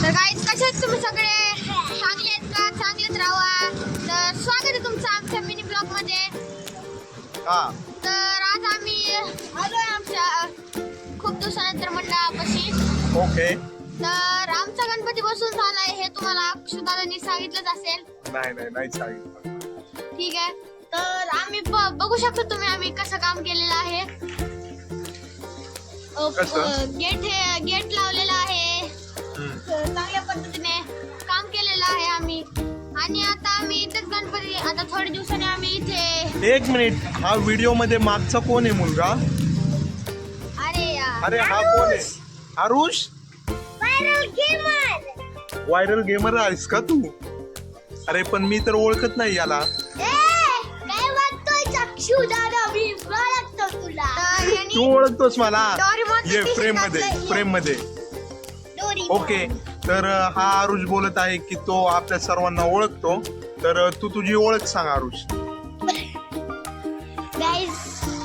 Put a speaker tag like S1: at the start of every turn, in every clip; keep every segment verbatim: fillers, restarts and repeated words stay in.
S1: तर गाईज कसे आहेत तुम्ही सगळे? चांगले आहेत का? चांगलेच राहा. तर स्वागत आहे तुमचं आमच्या मिनी ब्लॉग मध्ये.
S2: हा
S1: तर आज आम्ही आलोय आमच्या खूप दिवसानंतर मंडळापाशी.
S2: ओके.
S1: तर आमचा गणपती बसून झालाय हे तुम्हाला अक्षुदादांनी सांगितलंच असेल.
S2: नाही नाही नाही सांगितलं.
S1: ठीक आहे. तर आम्ही ब- बघू शकतो तुम्ही आम्ही कसं काम केलेलं आहे.
S2: कसं?
S1: गेट हे गेट लावलेला आहे.
S2: हम्म.
S1: चांगल्या पद्धतीने काम केलेलं आहे आम्ही. आणि आता आम्ही इथेच गणपती आता थोड्या दिवसांनी आम्ही इथे.
S2: एक मिनिट, हा व्हिडिओ मध्ये मागचा कोण आहे मुलगा?
S1: अरे यार,
S2: अरे हा कोण आहे? Aarush?
S1: Viral gamer.
S2: Viral gamer आहेस का तू? अरे पण मी तर ओळखत नाही याला.
S1: काय वाटतोय चक्षु दादा? मी ओळखतो तुला.
S2: तू ओळखतोस मला?
S1: डोरेमॉनचं
S2: ये
S1: t-shirt
S2: फ्रेम मध्ये
S1: घातलंय.
S2: फ्रेम मध्ये
S1: डोरेमॉन.
S2: ओके. तर अं, हा आरुष बोलत आहे की तो आपल्या सर्वांना ओळखतो. तर अं, तू तुझी ओळख सांग आरुष.
S1: गाईज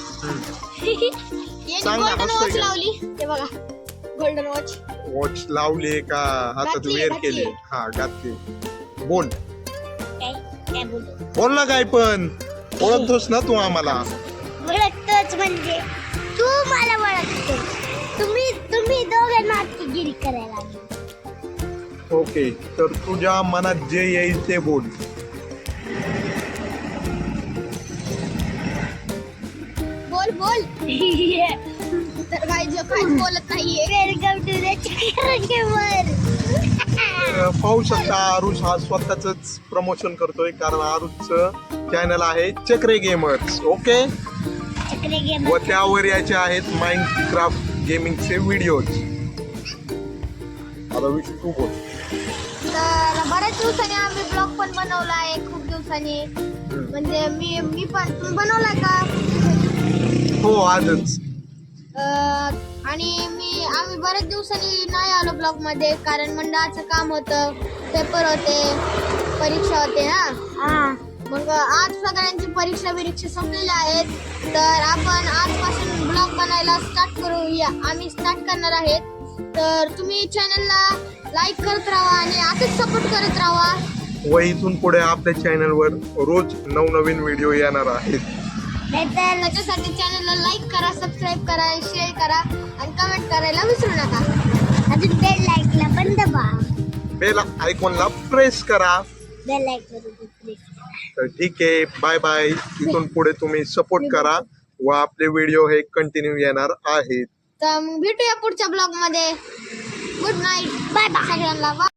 S1: याने
S2: सांग ना,
S1: गोल्डन
S2: हसतोय
S1: वॉच
S2: का?
S1: लावली. हे बघा गोल्डन वॉच.
S2: वॉच लावली का हातात
S1: घातली,
S2: वेअर
S1: घातली.
S2: केली? हा घातली. बोल
S1: काय काय बोलतो?
S2: बोल ना काय पण. ओळखतोस ना तू आम्हाला?
S1: ओळखतोच म्हणजे तू मला ओळखतो. तुम्ही तुम्ही दोघे नाटकीगिरी करायला लागले.
S2: ओके. तर तुझ्या मनात जे येईल ते बोल.
S1: बोल बोल. तर काय जो काय बोलत नाहीये. Welcome to the Chakra gamer.
S2: तर पाहू शकता आरुष हा स्वतःच प्रमोशन करतोय, कारण आरुषचं चॅनल आहे चक्रे गेमर्स. ओके.
S1: चक्र गेमर.
S2: व त्यावर याचे आहेत माइनक्राफ्ट गेमिंगचे व्हिडिओज. आता विषय तू बोल.
S1: तर बऱ्याच दिवसांनी आम्ही ब्लॉग पण बनवला आहे. खूप दिवसांनी म्हणजे मी मी पण तुम्ही बनवलाय का?
S2: हो आजच.
S1: अं, आणि मी आम्ही बऱ्याच दिवसांनी नाही आलो ब्लॉग मध्ये, कारण मंडळाचं काम होतं, पेपर होते, परीक्षा होते ना. मग आज सगळ्यांची परीक्षा बिरीक्षा संपलेल्या आहेत. तर आपण आजपासून ब्लॉग बनायला स्टार्ट करूया. आम्ही स्टार्ट करणार आहेत. तर तुम्ही चॅनलला लाईक करत राहा आणि असंच सपोर्ट करत राहा.
S2: व इथून पुढे आपल्या चॅनलवर रोज नवनवीन व्हिडिओ येणार आहेत.
S1: तर त्याच्यासाठी चॅनलला लाईक करा, सबस्क्राईब करा, शेअर करा आणि कमेंट करायला विसरू नका. अजून बेल लाईकला पण दबा.
S2: बेल आयकॉनला प्रेस करा.
S1: बेल लाईक
S2: तर ठीक आहे, बाय बाय. इथून पुढे तुम्ही सपोर्ट करा व आपले व्हिडिओ हे कंटिन्यू येणार आहेत.
S1: तर मग भेटूया पुढच्या ब्लॉग मध्ये. Good night. बाय बाय सगळ्यांना.